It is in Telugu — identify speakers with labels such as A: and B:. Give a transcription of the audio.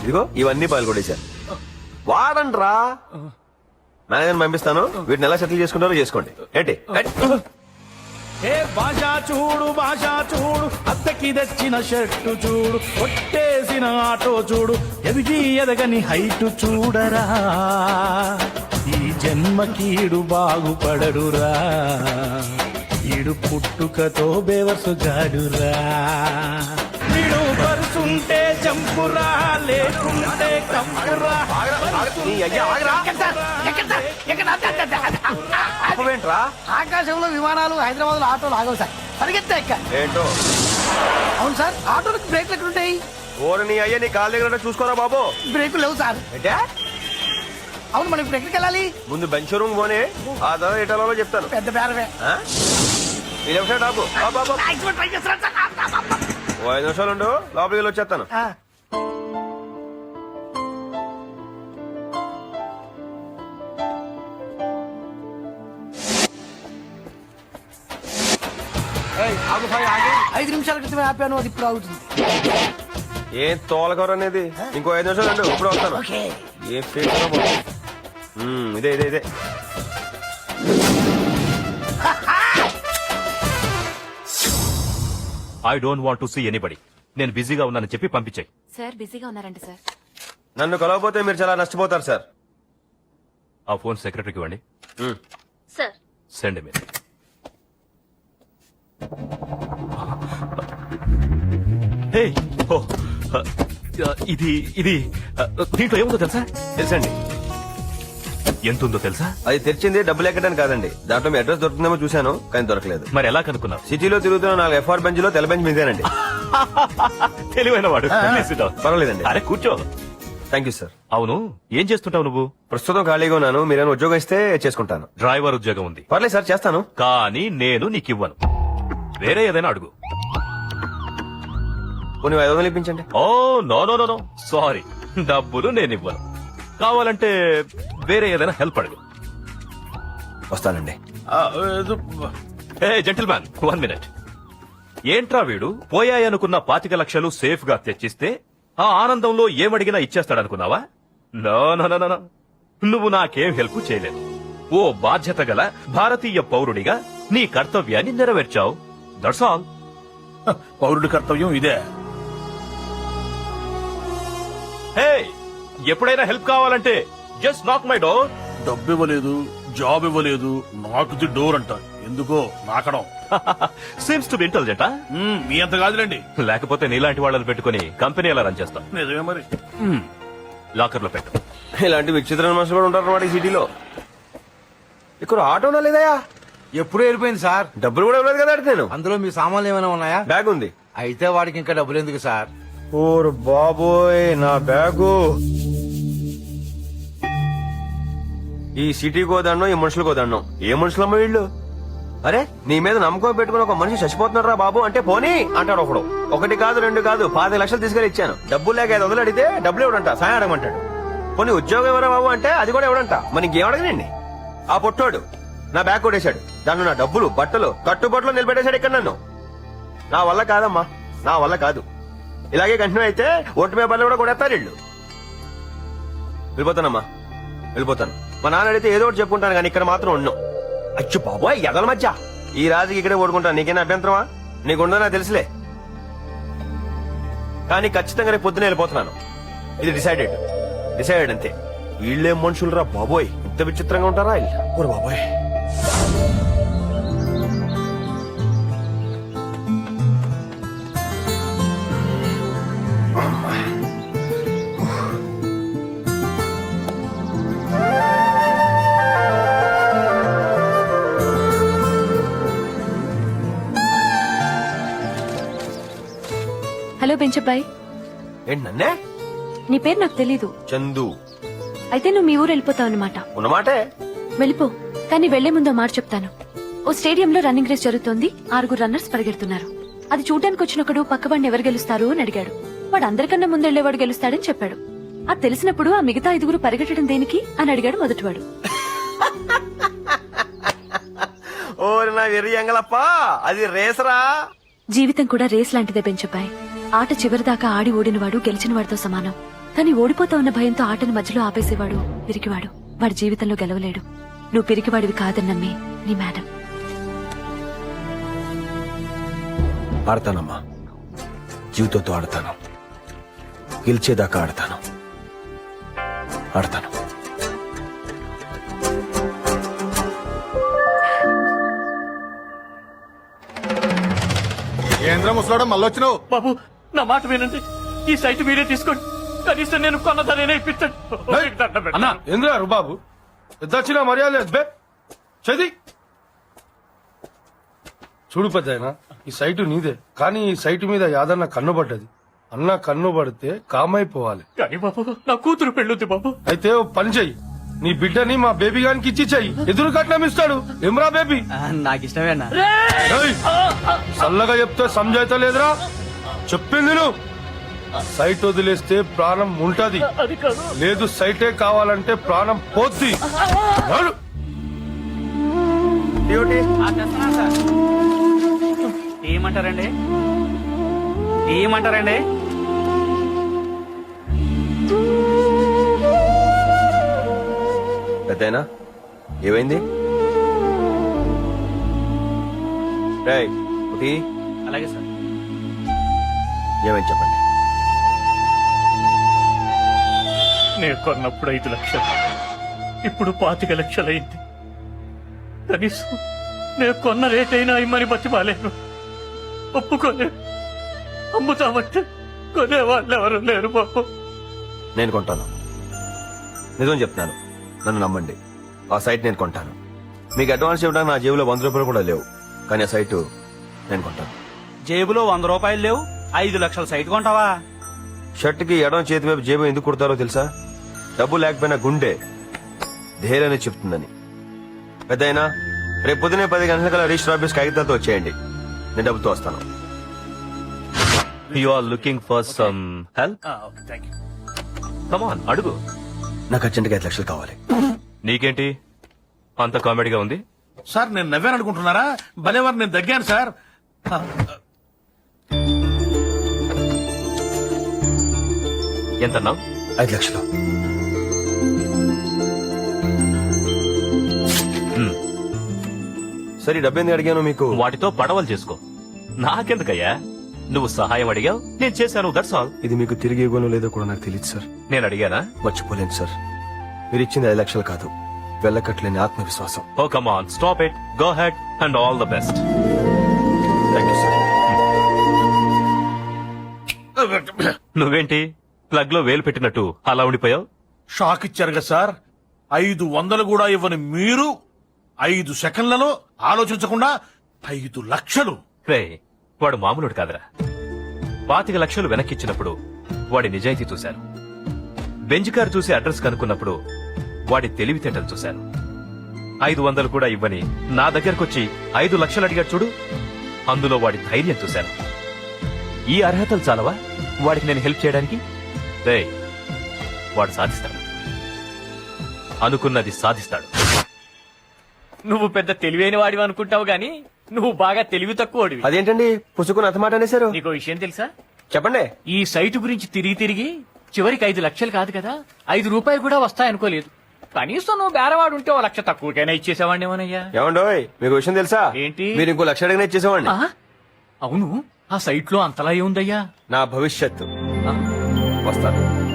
A: ఇదిగో ఇవన్నీ పాల్గొడేశారు. వాడండి రా. మేనేజర్ పంపిస్తాను, వీటిని ఎలా సెటిల్ చేసుకుంటారో చేసుకోండి. ఏంటి
B: ఏ భాషా చూడు అద్దకి తెచ్చిన షర్టు చూడు, కొట్టేసిన ఆటో చూడు, ఎదిగి ఎదగని హైటు చూడరా, ఈ జన్మకీడు బాగుపడడురా, ఈడు పుట్టుకతో బేవర్సు గాడురా, వీడు పరుసుంటే చంపురా, లేకుంటే కంపురా.
A: ఏంట్రా?
C: ఆకాశంలో విమానాలు, హైదరాబాద్ లో ఆటోలు ఆగవు సార్, పరిగెత్తా ఎక్క.
A: ఏంటో
C: అవును సార్, ఆటోలకు బ్రేక్లు ఎక్కడుంటాయి?
A: ఓరు నీ అయ్యా, నీ కాళ్ళ దగ్గర చూసుకోరా బాబు.
C: బ్రేకులు లేవు సార్.
A: ఏంటే?
C: అవును, మనం ఇప్పుడు ఎక్కడికి వెళ్ళాలి?
A: ముందు బెంచ్ రూమ్ పోనే, ఆ తర్వాత ఎటాలో చెప్తాను.
C: పెద్ద బేరవే.
A: ఈ లెఫ్ట్ సైడ్ ఆపు.
C: ట్రై చేస్తున్నాను సార్.
A: ఓ 5 నిమిషాలు ఉండు, లోపలికి వెళ్ళి వచ్చేస్తాను.
C: ఆగు 5 నిమిషాల క్రితమే ఆపాను, అది ఇప్పుడు ఆగుతుంది.
A: ఏం తోలకూర అనేది? ఇంకో 5 నిమిషాలు ఉండు, ఇప్పుడు వస్తాను.
C: ఓకే.
A: ఏ ఫేస్ ఇదే ఇదే ఇదే.
D: I don't want to see anybody. నేను బిజీగా ఉన్నానని చెప్పి పంపించాయి.
E: సార్ బిజీగా ఉన్నారంట సార్.
A: నన్ను కలవకపోతే మీరు చాలా నష్టపోతారు సార్.
D: ఆ ఫోన్ సెక్రటరీకి ఇవ్వండి.
E: Sir
D: send me. హే, ఓ, ఇది ఇది దీంట్లో ఏముందో తెలుసా?
A: తెలుసండి.
D: ఎంతుందో తెలుసా?
A: అది తెరిచింది డబ్బులు ఎక్కడానికి కాదండి, దాంట్లో మీ అడ్రస్ దొరుకుతుందేమో చూశాను, కానీ దొరకలేదు.
D: మరి ఎలా కనుక్కున్నావు?
A: సిటీలో తిరుగుతున్న 4 FR బెంచ్ లో తెల్ల బెంచ్ మీదేనండి.
D: తెలివైన వాడు.
A: పర్వాలేదండి.
D: అరే కూర్చో.
A: Thank you sir.
D: అవును, ఏం చేస్తుంటావు నువ్వు?
A: ప్రస్తుతం ఖాళీగా ఉన్నాను, మీరేమైనా ఉద్యోగం ఇస్తే చేసుకుంటాను.
D: డ్రైవర్ ఉద్యోగం ఉంది.
A: పర్లేదు సార్, చేస్తాను.
D: కానీ నేను నీకు ఇవ్వను. వేరే ఏదైనా అడుగు.
A: కొన్ని 500 ఇప్పించండి.
D: Oh no no no no, sorry, డబ్బులు నేను ఇవ్వను. కావాలంటే వేరే ఏదైనా హెల్ప్ అడుగు.
A: వస్తానండి.
D: Hey gentleman, 1 minute. ఏంట్రా వీడు పోయాయనుకున్న 25 లక్షలు సేఫ్ గా తెచ్చిస్తే ఆ ఆనందంలో ఏమడిగినా ఇచ్చేస్తాడనుకున్నావా? నో నో నో నో, నువ్వు నాకేం హెల్ప్ చేయలేదు. ఓ బాధ్యత గల భారతీయ పౌరుడిగా నీ కర్తవ్యాన్ని నెరవేర్చావు. That's all.
B: పౌరుడి కర్తవ్యం ఇదే.
D: హే, ఎప్పుడైనా హెల్ప్ కావాలంటే జస్ట్ నాక్ మై డోర్.
B: డబ్బు ఇవ్వలేదు, జాబ్ ఇవ్వలేదు, నాకు ది డోర్ అంట. ఎందుకో నాకడం.
D: Seems to be intelligent.
B: మీ అంత కాదులేండి.
D: లేకపోతే నీలాంటి వాళ్ళని పెట్టుకుని కంపెనీ ఎలా రన్ చేస్తాం?
B: నిజమే మరి.
D: లాకర్ లో పెట్టు.
A: ఇలాంటి విచిత్రమైన మనుషులు కూడా ఉంటారు అన్నమాట ఈ సిటీలో. ఇక్కడ ఆటోనా లేదయా?
C: ఎప్పుడు వెళ్ళిపోయింది సార్.
A: డబ్బులు కూడా ఇవ్వలేదు కదా నేను.
C: అందులో మీ సామాన్లు ఏమైనా ఉన్నాయా?
A: బ్యాగ్ ఉంది.
C: అయితే వాడికి ఇంకా డబ్బులు ఎందుకు సార్?
A: ఓరు బాబోయ్, నా బ్యాగు. ఈ సిటీ కోదండం, ఈ మనుషులు కోదండం. ఏ మనుషులమ్మ వీళ్ళు? అరే, నీ మీద నమ్మకం పెట్టుకుని ఒక మనిషి చచ్చిపోతున్నారా బాబు అంటే పోనీ అంటాడు ఒకడు. 1 కాదు 2 కాదు 25 లక్షలు తీసుకెళ్లి ఇచ్చాను. డబ్బులు లేక 500 అడిగితే డబ్బులు ఇవ్వడంట, సాయం అడగమంటాడు. పోనీ ఉద్యోగం ఎవరా బాబు అంటే అది కూడా ఇవ్వడంట. మరి ఇంకేం అడగనండి. ఆ పొట్టోడు నా బ్యాగ్ కొట్టేశాడు, దాంట్లో నా డబ్బులు, బట్టలు, కట్టుబట్టలు నిలబెట్టేశాడు ఇక్కడ నన్ను. నా వల్ల కాదమ్మా, నా వల్ల కాదు. ఇలాగే కంటిన్యూ అయితే ఓటు పేపర్లు కూడా కొడేస్తారు వీళ్ళు. వెళ్ళిపోతానమ్మా, వెళ్ళిపోతాను. మా నాన్న అడిగితే ఏదో ఒకటి చెప్పుకుంటాను, కానీ ఇక్కడ మాత్రం ఉన్నాం. అచ్చు బాబోయ్, ఎదల మధ్య ఈ రాజుకి ఇక్కడే ఓడుకుంటాను. నీకేనా అభ్యంతరమా? నీకుండో నాకు తెలుసులే, కానీ ఖచ్చితంగా రేపు పొద్దున వెళ్ళిపోతున్నాను. ఇది డిసైడెడ్ అంతే. వీళ్ళేం మనుషులు రా బాబోయ్, ఇంత విచిత్రంగా ఉంటారా వీళ్ళు? బాబోయ్.
E: హలో బెంచబ్బాయ్.
A: ఏంటి నన్నే?
E: నీ పేరు నాకు తెలీదు.
A: చందు.
E: అయితే నువ్వు మీ ఊరు వెళ్ళిపోతావు అన్నమాట.
A: ఉన్నమాటే.
E: వెళ్ళిపో, కానీ వెళ్లే ముందు మాట చెప్తాను. ఓ స్టేడియంలో రన్నింగ్ రేస్ జరుగుతోంది. 6 రన్నర్స్ పరిగెడుతున్నారు. అది చూడడానికి వచ్చినప్పుడు పక్కవాడిని ఎవరు గెలుస్తారు అని అడిగాడు. వాడు అందరికన్నా ముందెళ్లేవాడు గెలుస్తాడని చెప్పాడు. అది తెలిసినప్పుడు ఆ మిగతా 5 పరిగెట్టడం దేనికి అని అడిగాడు మొదటివాడు.
A: ఓరి నా వెర్రి ఎంగలప్ప, అది రేసరా.
E: జీవితం కూడా రేస్ లాంటిదే బెంచబ్బాయ్. ఆట చివరిదాకా ఆడి ఓడినవాడు గెలిచిన వాడితో సమానం. కానీ ఓడిపోతా ఉన్న భయంతో ఆటను మధ్యలో ఆపేసేవాడు పిరికివాడు. వాడి జీవితంలో గెలవలేడు. నువ్వు పిరికివాడివి కాదని నమ్మి నీ మేడం.
A: ఆడతానమ్మా, జీవితంతో ఆడతాను, గెలిచేదాకా ఆడతాను. ఆడతాను.
C: ఏంద్ర ముసలాడ మళ్ళొచ్చినావు?
F: బాబు నా మాట వినండి, ఈ సైట్ మీరే తీసుకోండి. కనీసం నేను కొన్నదానే ఇప్పించండి.
C: అన్నా ఏంద్ర బాబు పెద్దొచ్చిన మర్యాద లేదు బే. చది చూడు పెద్దాయన, ఈ సైటు నీదే, కానీ ఈ సైటు మీద యాదన్న కన్ను పడ్డది. అన్న కన్ను పడితే కామైపోవాలి.
F: కానీ బాబు నా కూతురు పెళ్ళుద్ది బాబు.
C: అయితే ఓ పని చెయ్యి, నీ బిడ్డని మా బేబీ గానికి ఇచ్చి చెయ్యి. ఎదురు కట్నం ఇస్తాడు. ఎమ్రా బేబీ?
G: నాకు ఇష్టమే అన్న.
C: ఏయ్! చల్లగా చెప్తే సంజాయిత లేదురా. చెప్పింది నువ్వు. సైట్ వదిలేస్తే ప్రాణం ఉంటది,
F: అది కాదు.
C: లేదు సైటే కావాలంటే ప్రాణం పోద్ది. నడు.
G: ఏమంటారండి? ఏమంటారండి?
A: పెద్దయినా ఏమైంది? రేయ్, ఒకటి
G: అలాగే సార్.
A: ఏమైంది చెప్పండి.
F: నేను కొన్నప్పుడు 5 లక్షలు, ఇప్పుడు 25 లక్షలైంది. కనీసం నేను కొన్న రేట్ అయినా ఇమ్మని బతిమాలేను. ఒప్పుకోలేను. అమ్ముతామంటే కొనేవాళ్ళు ఎవరు లేరు బాబు.
A: నేను కొంటాను, నిజం చెప్తున్నాను, నన్ను నమ్మండి. ఆ సైట్ నేను కొంటాను. మీకు అడ్వాన్స్ ఇవ్వడానికి నా జేబులో 100 రూపాయలు కూడా లేవు, కానీ ఆ సైటు నేను కొంటాను.
G: జేబులో 100 రూపాయలు లేవు, 5 లక్షల సైట్ కొంటావా?
A: షర్ట్కి ఎడం చేతి వైపు జేబు ఎందుకు కుడతారో తెలుసా? డబ్బు లేకపోయినా గుండె ధైర్యాన్ని చెప్తుందని. పెద్దయినా రేపు పొద్దునే 10 గంటల రిజిస్టర్ ఆఫీస్ కాగితాలతో వచ్చేయండి, నేను డబ్బుతో వస్తాను.
D: You are looking for some help? Come on, అడుగు.
A: నాకు అర్జెంట్గా 5 లక్షలు కావాలి.
D: నీకేంటి అంత కామెడీగా ఉంది?
B: సార్ నేను నవ్వాను అనుకుంటున్నారా? భలేవారు, నేను దగ్గాను సార్.
D: ఎంతన్నావు?
A: 5 లక్షలు. సరే, డబ్బు ఎందుకు అడిగాను మీకు?
D: వాటితో పడవలు చేసుకో. నాకెందుకయ్యా? నువ్వు సహాయం అడిగావు, నేను చేశాను, దట్స్ ఆల్.
A: ఇది మీకు తిరిగి ఇవ్వను లేదో కూడా నాకు తెలియదు సార్.
D: నేను అడిగానా?
A: మర్చిపోలేను సార్. మీరు ఇచ్చింది 5 లక్షలు కాదు, వెళ్ళకట్లేని ఆత్మవిశ్వాసం.
D: Oh come on, stop it, go head and all the best.
A: Thank you sir.
D: నువ్వేంటి ప్లగ్ లో వేలు పెట్టినట్టు అలా ఉండిపోయావు?
B: షాక్ ఇచ్చారు కదా సార్. 500 కూడా ఇవ్వని మీరు 5 సెకండ్లలో ఆలోచించకుండా 5 లక్షలు.
D: రే, వాడు మామూలుడు కాదురా. 25 లక్షలు వెనక్కిచ్చినప్పుడు వాడి నిజాయితీ చూశాను. బెంజ్ కారు చూసి అడ్రస్ కనుక్కున్నప్పుడు వాడి తెలివితేటలు చూశాను. 500 కూడా ఇవ్వని నా దగ్గరకొచ్చి 5 లక్షలు అడిగాడు చూడు, అందులో వాడి ధైర్యం చూశాను. ఈ అర్హతలు చాలవా వాడికి నేను హెల్ప్ చేయడానికి? రే, వాడు సాధిస్తాడు, అనుకున్నది సాధిస్తాడు.
F: నువ్వు పెద్ద తెలివైన వాడివి అనుకుంటావు గాని నువ్వు బాగా తెలివి తక్కువడివి.
A: అదేంటండి పుసుకుని అతమాట అనేశారు?
F: నీకో విషయం తెలుసా?
A: చెప్పండి.
F: ఈ సైటు గురించి తిరిగి చివరికి 5 లక్షలు కాదు కదా, 5 రూపాయలు కూడా వస్తాయనుకోలేదు. కనీసం నువ్వు బేరవాడు ఉంటే 1 లక్ష తక్కువకైనా ఇచ్చేసావాడినేమోనయ్యా.
A: ఏమండోయ్, మీకు విషయం తెలుసా?
F: ఏంటి?
A: మీరు ఇంకో 1 లక్ష అడిగినా ఇచ్చేసేవాడిని.
F: ఆ? అవును, ఆ సైట్ లో అంతలా ఏముందయ్యా?
A: నా భవిష్యత్తు.
F: ఆ?
A: వస్తాను.